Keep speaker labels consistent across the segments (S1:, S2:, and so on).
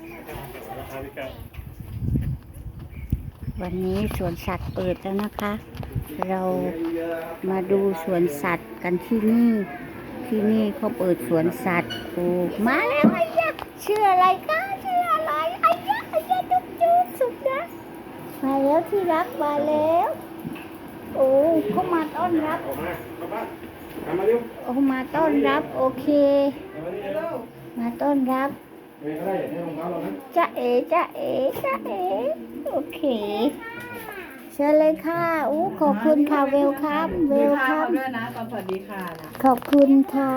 S1: วันนี้สวนสัตว์เปิดแล้วนะคะ เรามาดูสวนสัตว์กันที่นี่ ที่นี่เขาเปิดสวนสัตว์โอ้มาแล้วไอ้ยะชื่ออะไรคะชื่ออะไรไอ้ยะจุ๊บจุ๊บสุดนะมาแล้วที่รักมาแล้วโอ้เขามาต้อนรับโอ้มาต้อนรับโอเคมาต้อนรับจ๊ะเอ๋จ๊ะเอ๋จ๊ะเอ๋โอเคเชิญเลยค่ะอู้ขอบคุณค่ะเวลคัมเวลคัม
S2: ด้วยนะตอนสวัสดีค่ะนะ
S1: ขอบคุณค่ะ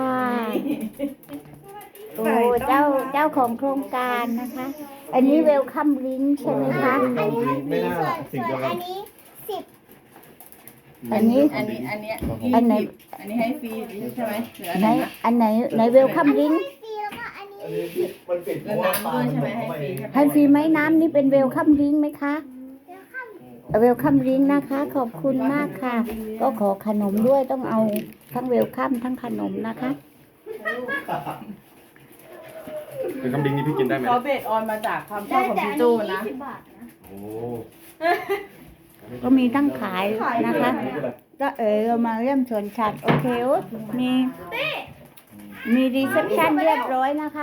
S1: โอ้เจ้าของโครงการนะคะ อันนี้เวลคัมลิงใช่ไหมคะ
S3: ไม่น่าสิ่งเดียวกัน
S1: อันนี้
S2: อันไหนอันนี้ให้ฟรีใช่ไหมหรืออัน
S1: ไหน
S2: ไหน
S1: อันไหนเวลคัมลิง
S3: อันนี้มันปิดเพ
S2: แล้ว
S3: ราะว่า
S2: น้ำด้วยใช่ไหมให้ฟรีใช่ไหม
S1: ให้ฟรีไหมน้ำนี่เป็นเวลคัมลิงไหมคะเวลคัมลิงนะคะ ขอบคุณมากค่ะ ก็ขอขนมด้วยต้องเอาทั้งเวลคัมทั้งขนมนะคะ
S4: เป็นคำดิ้งนี่พี่กินได้ไหม
S2: เขาเบสออนมาจากความชอบของพี่จูนะ
S4: โอ้
S1: ก็มีตั้งขายนะคะก็เรามาเริ่มสวนสัตว์โอเคมีรีเซพชันเรียบร้อยนะคะ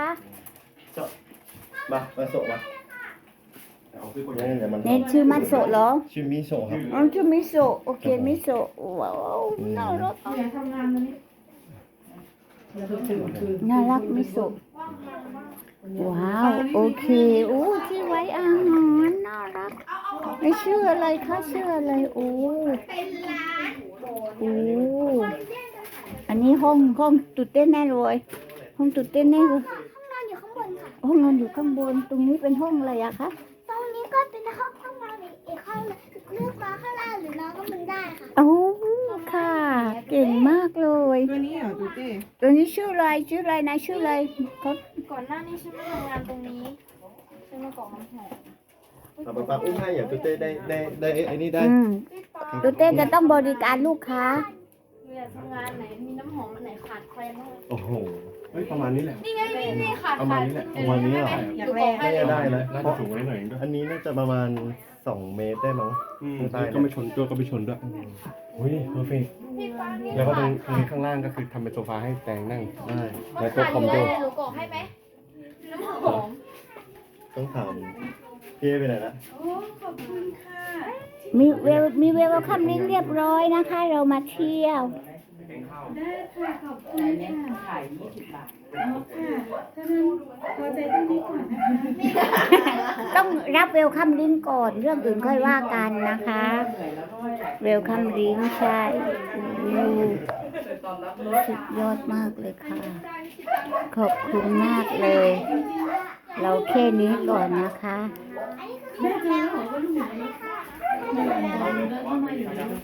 S3: มาโซะมาเนี่ยมัน
S1: เน้นชื่อมัตโซะเหรอ
S3: ชื่อมิโซะครับ
S1: อ๋อชื่อมิโซะโอเคมิโซะว้าวน่ารักน่ารักมิโซะว้าวโอเคโอ้ที่ไว้อาหารน่ารักไม่ชื่ออะไรคะชื่ออะไรโอ้โอ้อันนี้ห้องตุดเต้นแน่เลยห้องตุดเต้นแน่เลย
S5: นอนอยู่ข้างบนค่ะ
S1: ห้องนอนอยู่ข้างบนตรงนี้เป็นห้องอะไรอะคะ
S5: ตรงนี้ก็เป็นห้องนอนอีกห้องนึงเลือกมาข้างล่างหรือนอนก็มันได้ค่ะ
S1: โอ้ค่ะ เก่งมากเลย
S2: ตัวนี้เหรอดูเต้
S1: ตัวนี้ชื่ออะไรนายชื่ออะไรเขา
S5: ก่อนหน้านี้ฉันมาทำงานตรงนี้ฉันมาก่อน้ำหอม
S3: เอาไปอุ้มให้อย่าตัวเต้ได้ไอ้นี่ได้
S1: ตัวเต้จะต้องบริการลูกค้า
S5: เวลาทำงานไหนมีน้ำหอมอันไหนขาดแคลนบ้าง
S3: โอ้โห
S4: เฮ้ยประมาณนี้แหละ
S5: นี่ไงนี่ขาด
S4: ประมาณนี้แหละ
S3: ประมาณนี้เหรอ
S2: อยากแรก
S3: น่าจะได้นะ
S4: น่า
S3: เพ
S4: จะ
S3: ราะ
S4: สูงไว้หน่อยด้วย
S3: อันนี้น่าจะประมาณ2 เมตรได้มั้ง
S4: ก็ไม่ชนตัวก็ไม่ชนด้วยอุ้ยเพอร์เฟกต์แล้วก็ตรงนี้ข้างล่างก็คือทำเป็นโซฟาให้แตงนั่ง
S3: ได้
S4: แล้วก็คอมโด
S5: หนูกรอกให้ไหมน้ำหอม
S3: ต้องถามพี่ไปไหนละ
S1: มีเวลคัมลิงเรียบร้อยนะคะ เรามาเที่ยว
S2: อันนี้ขาย20 บาท
S1: ต้องรับเวลคัมลิงก่อนเรื่องอื่นค่อยว่ากันนะคะ
S2: เหนื่อยแล้วก็อยาก
S1: เวลคัมลิงใช่โอ้
S2: ตอนรับรถ
S1: สุดยอดมากเลยค่ะ ขอบคุณมากเลย เราแค่นี้ก่อนนะคะ